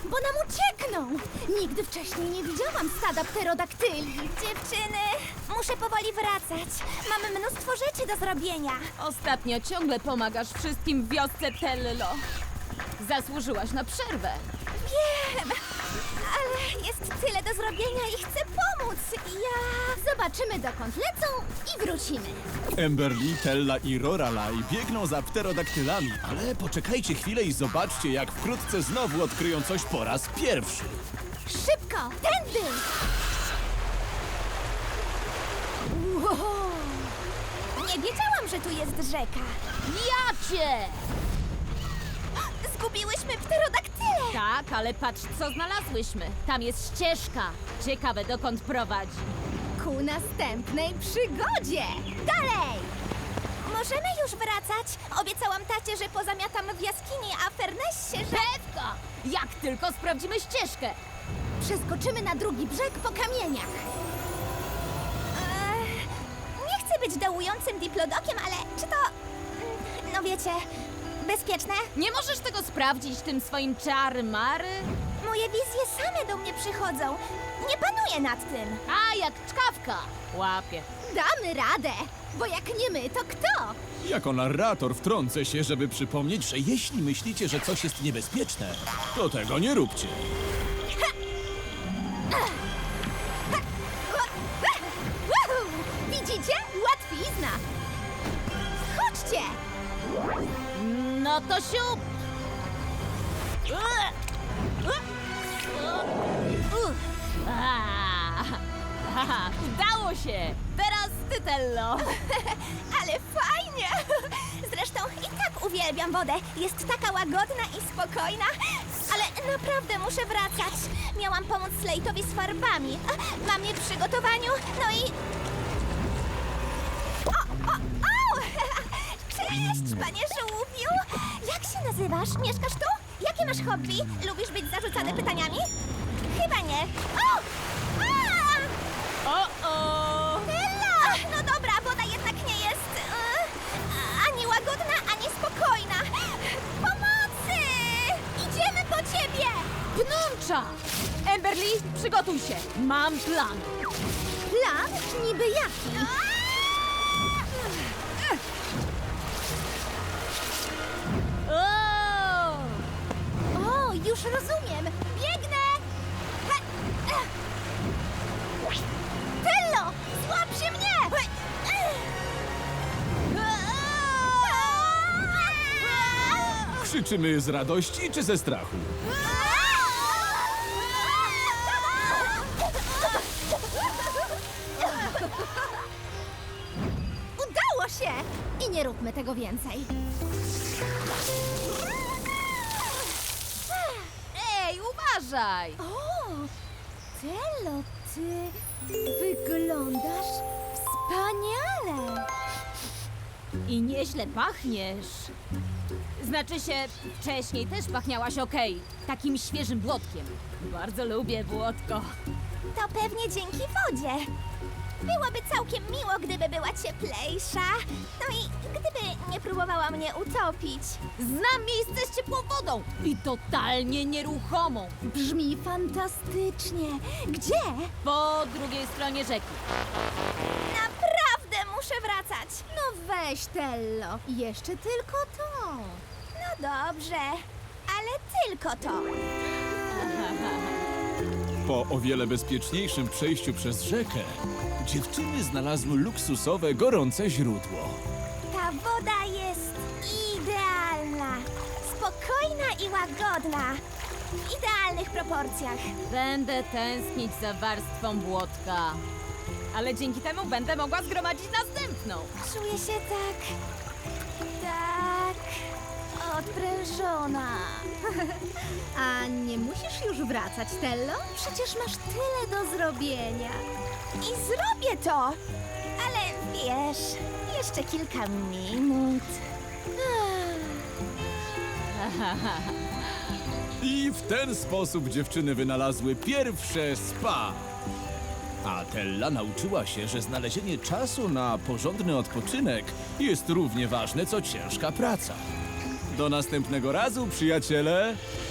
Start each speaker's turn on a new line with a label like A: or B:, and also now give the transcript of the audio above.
A: bo nam uciekną! Nigdy wcześniej nie widziałam stada pterodaktyli.
B: Dziewczyny, muszę powoli wracać. Mamy mnóstwo rzeczy do zrobienia.
C: Ostatnio ciągle pomagasz wszystkim w wiosce Tello. Zasłużyłaś na przerwę.
B: Wiem, ale jest tyle do zrobienia i chcę pomóc.
A: Zobaczymy, dokąd lecą i wrócimy.
D: Emberly, Tella i Lorelai biegną za pterodaktylami, ale poczekajcie chwilę i zobaczcie, jak wkrótce znowu odkryją coś po raz pierwszy.
A: Szybko, tędy!
B: Wow. Nie wiedziałam, że tu jest rzeka.
C: Jacie!
B: Zgubiłyśmy pterodaktyle.
C: Tak, ale patrz, co znalazłyśmy. Tam jest ścieżka. Ciekawe, dokąd prowadzi.
A: Ku następnej przygodzie! Dalej!
B: Możemy już wracać? Obiecałam tacie, że pozamiatam w jaskini, a Fernessie, że...
C: Pewka! Jak tylko sprawdzimy ścieżkę.
A: Przeskoczymy na drugi brzeg po kamieniach.
B: Nie chcę być dołującym diplodokiem, ale czy to... No wiecie, bezpieczne?
C: Nie możesz tego sprawdzić tym swoim czary-mary?
B: Moje wizje same do mnie przychodzą. Nie panuję nad tym.
C: A, jak czkawka. Łapie.
A: Damy radę, bo jak nie my, to kto?
D: Jako narrator wtrącę się, żeby przypomnieć, że jeśli myślicie, że coś jest niebezpieczne, to tego nie róbcie.
A: Woohoo! Widzicie? Łatwizna! Chodźcie!
C: No to siup! Haha, udało się! Teraz ty, Tello!
B: Ale fajnie! Zresztą i tak uwielbiam wodę. Jest taka łagodna i spokojna. Ale naprawdę muszę wracać. Miałam pomóc Slate'owi z farbami. Mam je w przygotowaniu, no i... O! Cześć, panie żółwiu! Jak się nazywasz? Mieszkasz tu? Jakie masz hobby? Lubisz być zarzucany pytaniami? Chyba nie. O!
C: O!
B: Ella! No dobra, woda jednak nie jest ani łagodna, ani spokojna. Pomocy! Idziemy po ciebie!
C: Pnącza! Emberly, przygotuj się! Mam plan!
A: Plan? Niby jaki?
C: O!
A: O, już rozumiem!
B: Biegnę! Tello! Złap się mnie!
D: Krzyczymy z radości czy ze strachu?
A: Udało się! I nie róbmy tego więcej.
C: Ej, uważaj!
A: O! Tello, ty wyglądasz wspaniale!
C: I nieźle pachniesz. Znaczy się, wcześniej też pachniałaś okej. Takim świeżym błotkiem. Bardzo lubię błotko.
B: To pewnie dzięki wodzie. Byłoby całkiem miło, gdyby była cieplejsza. No i gdyby nie próbowała mnie utopić.
C: Znam miejsce z ciepłą wodą i totalnie nieruchomą.
A: Brzmi fantastycznie. Gdzie?
C: Po drugiej stronie rzeki.
B: Naprawdę muszę wracać.
A: No weź, Tello. Jeszcze tylko to.
B: No dobrze, ale tylko to.
D: Po o wiele bezpieczniejszym przejściu przez rzekę, dziewczyny znalazły luksusowe, gorące źródło.
B: Ta woda jest idealna. Spokojna i łagodna. W idealnych proporcjach.
C: Będę tęsknić za warstwą błotka. Ale dzięki temu będę mogła zgromadzić następną.
B: Czuję się tak odprężona.
A: A nie musisz już wracać, Tello? Przecież masz tyle do zrobienia.
B: I zrobię to. Ale wiesz, jeszcze kilka minut.
D: I w ten sposób dziewczyny wynalazły pierwsze spa. A Tella nauczyła się, że znalezienie czasu na porządny odpoczynek jest równie ważne, co ciężka praca. Do następnego razu, przyjaciele!